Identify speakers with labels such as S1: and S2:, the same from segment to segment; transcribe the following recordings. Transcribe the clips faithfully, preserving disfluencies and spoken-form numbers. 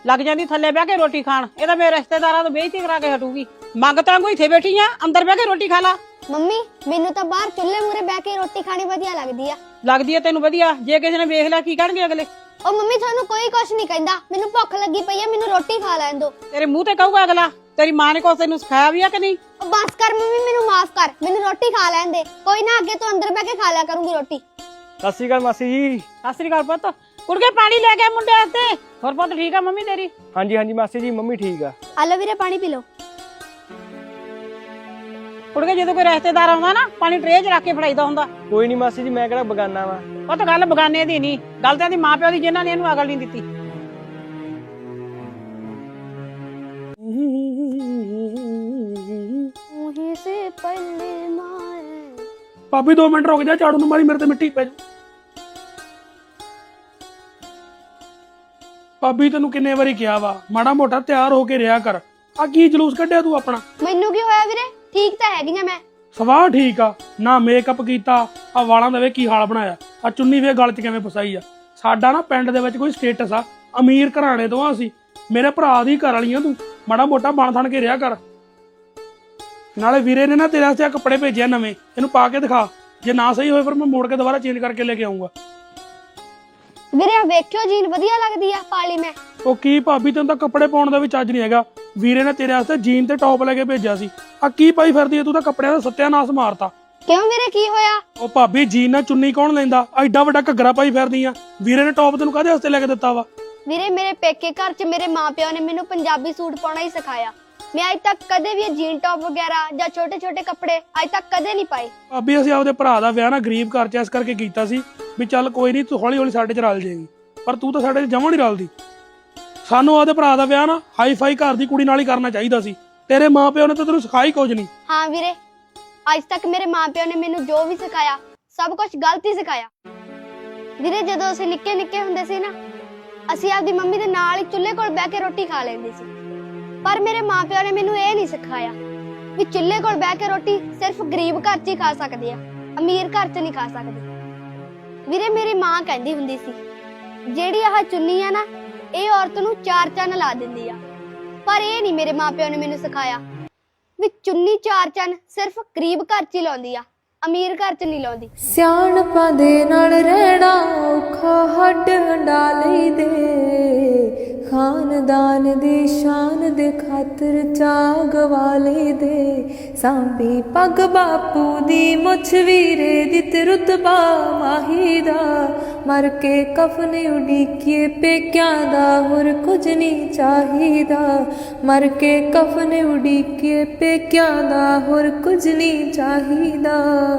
S1: ਲੱਗ ਜਾਂਦੀ ਥੱਲੇ ਬਹਿ ਕੇ ਰੋਟੀ ਖਾਣ। ਇਹ ਤਾਂ ਮੇਰੇ ਰਿਸ਼ਤੇਦਾਰਾਂ ਤੋਂ ਬੇਇੱਜ਼ਤੀ ਕਰਾ ਕੇ ਹਟੂਗੀ। ਮੰਗ ਤਾਂ ਕੋਈ ਇੱਥੇ ਬੈਠੀ ਆ, ਅੰਦਰ ਬਹਿ ਕੇ ਰੋਟੀ ਖਾ ਲਾ।
S2: ਮੰਮੀ ਮੈਨੂੰ ਤਾਂ ਬਾਹਰ ਚੁੱਲ੍ਹੇ ਮੂਰੇ ਬਹਿ ਕੇ ਰੋਟੀ ਖਾਣੀ ਵਧੀਆ ਲੱਗਦੀ ਆ।
S1: ਲੱਗਦੀ ਆ ਤੈਨੂੰ ਵਧੀਆ, ਜੇ ਕਿਸੇ ਨੇ ਵੇਖ ਲਿਆ ਕੀ ਕਹਿਣਗੇ ਅਗਲੇ?
S2: ਉਹ ਮੰਮੀ ਤੁਹਾਨੂੰ ਕੋਈ ਕੁਛ ਨਹੀਂ ਕਹਿੰਦਾ, ਮੈਨੂੰ ਭੁੱਖ ਲੱਗੀ ਪਈ ਆ, ਮੈਨੂੰ ਰੋਟੀ ਖਾ ਲੈਣ ਦਿਓ।
S1: ਤੇਰੇ ਮੂੰਹ ਤੇ ਕਹੂਗਾ ਅਗਲਾ, ਤੇਰੀ ਮਾਂ ਨੇ ਕੁਛ ਤੈਨੂੰ ਸਿਖਾਇਆ ਵੀ ਆ ਕਿ ਨਹੀਂ?
S2: ਉਹ ਬਸ ਕਰ ਮੰਮੀ, ਮੈਨੂੰ ਮਾਫ ਕਰ, ਮੈਨੂੰ ਰੋਟੀ ਖਾ ਲੈਣ ਦੇ। ਕੋਈ ਨਾ, ਅੱਗੇ ਤੋਂ ਅੰਦਰ ਬਹਿ ਕੇ ਖਾ ਲਿਆ ਕਰੂੰਗੀ ਰੋਟੀ।
S3: ਸਤਿ ਸ਼੍ਰੀ ਅਕਾਲ ਮਾਸੀ ਜੀ।
S1: ਸਤਿ ਸ੍ਰੀ ਅਕਾਲ ਪੁੱਤ। ਕੁੜਕੇ ਪਾਣੀ ਲੈ ਕੇ ਮੁੰਡੇ ਵਾਸਤੇ। ਹੋਰ ਪੁੱਤ ਠੀਕ ਆ ਮੰਮੀ ਤੇਰੀ?
S3: ਹਾਂਜੀ ਹਾਂਜੀ ਮਾਸੀ ਜੀ, ਮੰਮੀ ਠੀਕ ਆ।
S2: ਆ ਲਓ ਵੀਰੇ ਪਾਣੀ ਪੀ ਲਓ।
S1: ਕੁੜਕੇ ਜਦੋਂ ਕੋਈ ਰਿਸ਼ਤੇਦਾਰ ਆਉਂਦਾ ਨਾ, ਪਾਣੀ ਟਰੇ 'ਚ ਰੱਖ ਕੇ ਫੜਾਈਦਾ ਹੁੰਦਾ।
S3: ਕੋਈ ਨਹੀਂ ਮਾਸੀ ਜੀ, ਮੈਂ ਕਿਹੜਾ ਬਗਾਨਾ ਵਾ।
S1: ਉਹ ਤਾਂ ਗੱਲ ਬਗਾਨੇ ਦੀ ਨਹੀਂ, ਗੱਲ ਤਾਂ ਇਹਦੀ ਮਾਂ ਪਿਓ ਦੀ, ਜਿਨ੍ਹਾਂ ਨੇ ਇਹਨੂੰ ਅਕਲ ਨਹੀਂ ਦਿੱਤੀ।
S4: ਭਾਬੀ ਦੋ ਮਿੰਟ ਰੁਕ ਜਾ, ਝਾੜੂ ਨੂੰ ਮਾਰੀ, ਮੇਰੇ ਤੇ ਮਿੱਟੀ ਪੈ ਜਾ। ਭਾਬੀ ਤੈਨੂੰ ਕਿੰਨੇ ਵਾਰੀ ਕਿਹਾ ਵਾ, ਮਾੜਾ ਮੋਟਾ ਤਿਆਰ ਹੋ ਕੇ ਰਿਹਾ ਕਰ। ਆ ਕੀ ਜਲੂਸ ਕੱਢਿਆ ਤੂੰ ਆਪਣਾ?
S2: ਮੈਨੂੰ ਕੀ ਹੋਇਆ ਵੀਰੇ, ਠੀਕ ਤਾਂ ਹੈਗੀ ਆ ਮੈਂ।
S4: ਸਵਾਹ ਠੀਕ ਆ ਨਾ, ਮੇਕਅਪ ਕੀਤਾ, ਆ ਵਾਲਾਂ ਦਾ ਵੇ ਕੀ ਹਾਲ ਬਣਾਇਆ, ਆ ਚੁੰਨੀ ਵੇ ਗਲ 'ਚ ਕਿਵੇਂ ਫਸਾਈ ਆ। ਸਾਡਾ ਨਾ ਪਿੰਡ ਦੇ ਵਿੱਚ ਕੋਈ ਸਟੇਟਸ ਆ, ਅਮੀਰ ਘਰਾਣੇ ਤੋਂ ਆ ਅਸੀਂ, ਮੇਰੇ ਭਰਾ ਦੀ ਘਰ ਵਾਲੀ ਆ ਤੂੰ। ਮਾੜਾ ਮੋਟਾ ਬਣ ਥਣ ਕੇ ਰਿਹਾ ਕਰ। ਨਾਲੇ ਵੀਰੇ ਨੇ ਨਾ ਤੇਰੇ ਵਾਸਤੇ ਆ ਕੱਪੜੇ ਭੇਜਿਆ ਨਵੇਂ, ਇਹਨੂੰ ਪਾ ਕੇ ਦਿਖਾ। ਜੇ ਨਾ ਸਹੀ ਹੋਏ ਫਿਰ ਮੈਂ ਮੋੜ ਕੇ ਦੁਬਾਰਾ ਚੇਂਜ ਕਰਕੇ ਲੈ ਕੇ ਆਉਂਗਾ।
S2: ਵੀਰੇ ਵੇਖਿਓ, ਜੀਨ ਵਧੀਆ ਲੱਗਦੀ ਆ, ਪਾ ਲਈ ਮੈਂ।
S4: ਉਹ ਕੀ ਭਾਬੀ, ਤੈਨੂੰ ਤਾਂ ਕੱਪੜੇ ਪਾਉਣ ਦਾ ਵੀ ਚੱਜ ਨਹੀਂ ਹੈਗਾ। ਵੀਰੇ ਨੇ ਤੇਰੇ ਵਾਸਤੇ ਜੀਨ ਤੇ ਟੌਪ ਲੈ ਕੇ ਭੇਜਿਆ ਸੀ, ਆ ਕੀ ਪਾਈ ਫਿਰਦੀ ਹੈ ਤੂੰ? ਤਾਂ ਕੱਪੜਿਆਂ ਦਾ ਸੱਤਿਆਨਾਸ਼ ਮਾਰਤਾ।
S2: ਕਿਉਂ ਵੀਰੇ, ਕੀ ਹੋਇਆ?
S4: ਉਹ ਭਾਬੀ ਜੀਨ ਨਾਲ ਚੁੰਨੀ ਕੌਣ ਲੈਂਦਾ? ਐਡਾ ਵੱਡਾ ਘੱਗਰਾ ਪਾਈ ਫਿਰਦੀ ਆ। ਵੀਰੇ ਨੇ ਟੌਪ ਤੈਨੂੰ ਕਾਹਦੇ ਵਾਸਤੇ ਲੈ ਕੇ ਦਿੱਤਾ ਵਾ?
S2: ਵੀਰੇ ਮੇਰੇ ਪੇਕੇ ਘਰ 'ਚ ਮੇਰੇ ਮਾਪਿਆਂ ਨੇ ਮੈਨੂੰ ਪੰਜਾਬੀ ਸੂਟ ਪਾਉਣਾ ਹੀ ਸਿਖਾਇਆ। ਮੈਂ ਅੱਜ ਤੱਕ ਕਦੇ ਵੀ ਇਹ ਜੀਨ ਟੌਪ ਵਗੈਰਾ ਜਾਂ ਛੋਟੇ ਛੋਟੇ ਕੱਪੜੇ ਅੱਜ ਤੱਕ ਕਦੇ ਨਹੀਂ ਪਾਏ।
S4: ਭਾਬੀ ਅਸੀਂ ਆਪਦੇ ਭਰਾ ਦਾ ਵਿਆਹ ਨਾ ਗਰੀਬ ਘਰ 'ਚ ਇਸ ਕਰਕੇ ਕੀਤਾ ਸੀ ਵੀ ਚੱਲ ਕੋਈ ਨਹੀਂ, ਤੂੰ ਹੌਲੀ ਹੌਲੀ ਸਾਡੇ 'ਚ ਰਲ ਜਾਏਗੀ। ਪਰ ਤੂੰ ਤਾਂ ਸਾਡੇ 'ਚ ਜਮਾਂ ਨਹੀਂ ਰਲਦੀ। ਸਾਨੂੰ ਆਪਦੇ ਭਰਾ ਦਾ ਵਿਆਹ ਨਾ ਹਾਈ ਫਾਈ ਘਰ ਦੀ ਕੁੜੀ ਨਾਲ ਹੀ ਕਰਨਾ ਚਾਹੀਦਾ ਸੀ। ਤੇਰੇ ਮਾਪਿਓ ਨੇ ਤਾਂ ਤੈਨੂੰ ਸਿਖਾਈ ਕੁਝ ਨਹੀਂ।
S2: ਹਾਂ ਵੀਰੇ, ਅੱਜ ਤੱਕ ਮੇਰੇ ਮਾਪਿਆਂ ਨੇ ਮੈਨੂੰ ਜੋ ਵੀ ਸਿਖਾਇਆ ਸਭ ਕੁਝ ਗਲਤ ਹੀ ਸਿਖਾਇਆ। ਵੀਰੇ ਜਦੋਂ ਅਸੀਂ ਨਿੱਕੇ ਨਿੱਕੇ ਹੁੰਦੇ ਸੀ ਨਾ, ਅਸੀਂ ਆਪਦੀ ਮੰਮੀ ਦੇ ਨਾਲ ਹੀ ਚੁੱਲ੍ਹੇ ਕੋਲ ਬਹਿ ਕੇ ਰੋਟੀ ਖਾ ਲੈਂਦੇ ਸੀ। ਪਰ ਮੇਰੇ ਮਾਪਿਆਂ ਨੇ ਮੈਨੂੰ ਇਹ ਨਹੀਂ ਸਿਖਾਇਆ ਵੀ ਚੁੱਲ੍ਹੇ ਕੋਲ ਬਹਿ ਕੇ ਰੋਟੀ ਸਿਰਫ ਗਰੀਬ ਘਰ 'ਚ ਹੀ ਖਾ ਸਕਦੇ ਆ, ਅਮੀਰ ਘਰ 'ਚ ਨਹੀਂ ਖਾ ਸਕਦੇ। ਵੀਰੇ ਮੇਰੀ ਮਾਂ ਕਹਿੰਦੀ ਹੁੰਦੀ ਸੀ, ਜਿਹੜੀ ਆਹ ਚੁੰਨੀ ਆ ਨਾ, ਇਹ ਔਰਤ ਨੂੰ ਚਾਰ ਚੰਨ ਲਾ ਦਿੰਦੀ ਆ। ਪਰ ਇਹ ਨਹੀਂ ਮੇਰੇ ਮਾਪਿਆਂ ਨੇ ਮੈਨੂੰ ਸਿਖਾਇਆ ਵੀ ਚੁੰਨੀ ਚਾਰ ਚੰਨ ਸਿਰਫ ਗਰੀਬ ਘਰ 'ਚ ਹੀ ਲਾਉਂਦੀ ਆ, ਅਮੀਰ ਘਰ 'ਚ ਨਹੀਂ ਲਾਉਂਦੀ।
S5: ਸਿਆਣਪਾਂ ਦੇ ਨਾਲ ਰਹਿਣਾ ਔਖਾ, ਹੱਡ ਹੰਡਾ ਲਈ ਦੇ, ਖਾਨਦਾਨ ਦੀ ਸ਼ਾਨ ਦੇ ਖਾਤਰ ਚਾਅ ਗਵਾ ਲਈ ਦੇ। ਸਾਂਭੀ ਪੱਗ ਬਾਪੂ ਦੀ, ਮੁੱਛ ਵੀਰੇ ਦੀ, ਤੇ ਰੁਤਬਾ ਮਾਹੀ ਦਾ। ਮਰ ਕੇ ਕਫਨ ਉਡੀਕੀਏ ਪੇਕਿਆਂ ਦਾ, ਹੋਰ ਕੁਝ ਨਹੀਂ ਚਾਹੀਦਾ। ਮਰ ਕੇ ਕਫਨ ਉਡੀਕੀਏ ਪੇਕਿਆਂ ਦਾ, ਹੋਰ ਕੁਝ ਨਹੀਂ ਚਾਹੀਦਾ।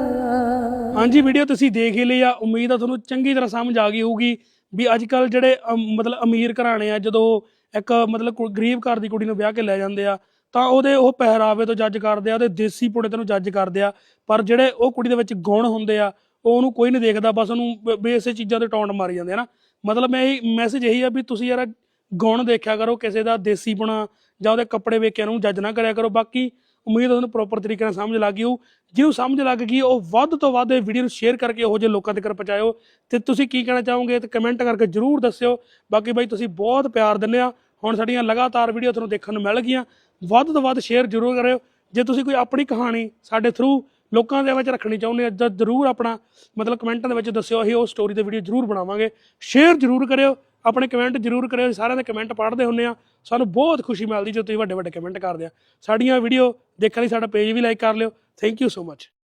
S4: ਹਾਂਜੀ, ਵੀਡੀਓ ਤੁਸੀਂ ਦੇਖ ਹੀ ਲਈ ਆ। ਉਮੀਦ ਆ ਤੁਹਾਨੂੰ ਚੰਗੀ ਤਰ੍ਹਾਂ ਸਮਝ ਆ ਗਈ ਹੋਊਗੀ ਵੀ ਅੱਜ ਕੱਲ ਜਿਹੜੇ ਮਤਲਬ ਅਮੀਰ ਘਰਾਣੇ ਆ, ਜਦੋਂ ਇੱਕ ਮਤਲਬ ਗਰੀਬ ਘਰ ਦੀ ਕੁੜੀ ਨੂੰ ਵਿਆਹ ਕੇ ਲੈ ਜਾਂਦੇ ਆ ਤਾਂ ਉਹਦੇ ਉਹ ਪਹਿਰਾਵੇ ਤੋਂ ਜੱਜ ਕਰਦੇ ਆ, ਉਹਦੇ ਦੇਸੀ ਪੁਣੇ ਤੋਂ ਜੱਜ ਕਰਦੇ ਆ। ਪਰ ਜਿਹੜੇ ਉਹ ਕੁੜੀ ਦੇ ਵਿੱਚ ਗੁਣ ਹੁੰਦੇ ਆ ਉਹ ਉਹਨੂੰ ਕੋਈ ਨਹੀਂ ਦੇਖਦਾ, ਬਸ ਉਹਨੂੰ ਬੇਸੇ ਚੀਜ਼ਾਂ ਤੇ ਟੌਂਟ ਮਾਰੀ ਜਾਂਦੇ ਆ ਨਾ। ਮਤਲਬ ਮੈਂ ਇਹ ਮੈਸੇਜ ਇਹੀ ਆ ਵੀ ਤੁਸੀਂ ਯਾਰ ਗੁਣ ਦੇਖਿਆ ਕਰੋ, ਕਿਸੇ ਦਾ ਦੇਸੀ ਪੁਣਾ ਜਾਂ ਉਹਦੇ ਕੱਪੜੇ ਵੇਖ ਕੇ ਉਹਨੂੰ ਜੱਜ ਨਾ ਕਰਿਆ ਕਰੋ। ਬਾਕੀ ਉਮੀਦ ਉਹਨੂੰ ਪ੍ਰੋਪਰ ਤਰੀਕੇ ਨਾਲ ਸਮਝ ਲੱਗ ਗਈ ਹੋਊ। ਜਿਹਨੂੰ ਸਮਝ ਲੱਗ ਗਈ ਉਹ ਵੱਧ ਤੋਂ ਵੱਧ ਇਹ ਵੀਡੀਓ ਨੂੰ ਸ਼ੇਅਰ ਕਰਕੇ ਇਹੋ ਜਿਹੇ ਲੋਕਾਂ ਤੱਕ ਪਹੁੰਚਾਇਓ। ਤੇ ਤੁਸੀਂ ਕੀ ਕਹਿਣਾ ਚਾਹੋਗੇ ਤੇ ਕਮੈਂਟ ਕਰਕੇ ਜ਼ਰੂਰ ਦੱਸਿਓ। ਬਾਕੀ ਬਾਈ ਤੁਸੀਂ ਬਹੁਤ ਪਿਆਰ ਦਿੰਦੇ ਆ, ਹੁਣ ਸਾਡੀਆਂ ਲਗਾਤਾਰ ਵੀਡੀਓ ਤੁਹਾਨੂੰ ਦੇਖਣ ਨੂੰ ਮਿਲ ਗਈਆਂ। ਵੱਧ ਤੋਂ ਵੱਧ ਸ਼ੇਅਰ ਜ਼ਰੂਰ ਕਰਿਓ। ਜੇ ਤੁਸੀਂ ਕੋਈ ਆਪਣੀ ਕਹਾਣੀ ਸਾਡੇ ਥਰੂ ਲੋਕਾਂ ਦੇ ਵਿੱਚ ਰੱਖਣੀ ਚਾਹੁੰਦੇ ਆ ਤਾਂ ਜ਼ਰੂਰ ਆਪਣਾ ਮਤਲਬ ਕਮੈਂਟਾਂ ਦੇ ਵਿੱਚ ਦੱਸਿਓ, ਅਸੀਂ ਉਹ ਸਟੋਰੀ ਦੇ ਵੀਡੀਓ ਜ਼ਰੂਰ ਬਣਾਵਾਂਗੇ। ਸ਼ੇਅਰ ਜ਼ਰੂਰ ਕਰਿਓ, ਆਪਣੇ ਕਮੈਂਟ ਜ਼ਰੂਰ ਕਰਿਓ। ਸਾਰਿਆਂ ਦੇ ਕਮੈਂਟ ਪੜ੍ਹਦੇ ਹੁੰਦੇ ਆ, ਸਾਨੂੰ ਬਹੁਤ ਖੁਸ਼ੀ ਮਿਲਦੀ ਜਦੋਂ ਤੁਸੀਂ ਵੱਡੇ ਵੱਡੇ ਕਮੈਂਟ ਕਰਦੇ ਆ। ਸਾਡੀਆਂ ਵੀਡੀਓ ਦੇਖਣ ਲਈ ਸਾਡਾ ਪੇਜ ਵੀ ਲਾਈਕ ਕਰ ਲਿਓ। Thank you so much.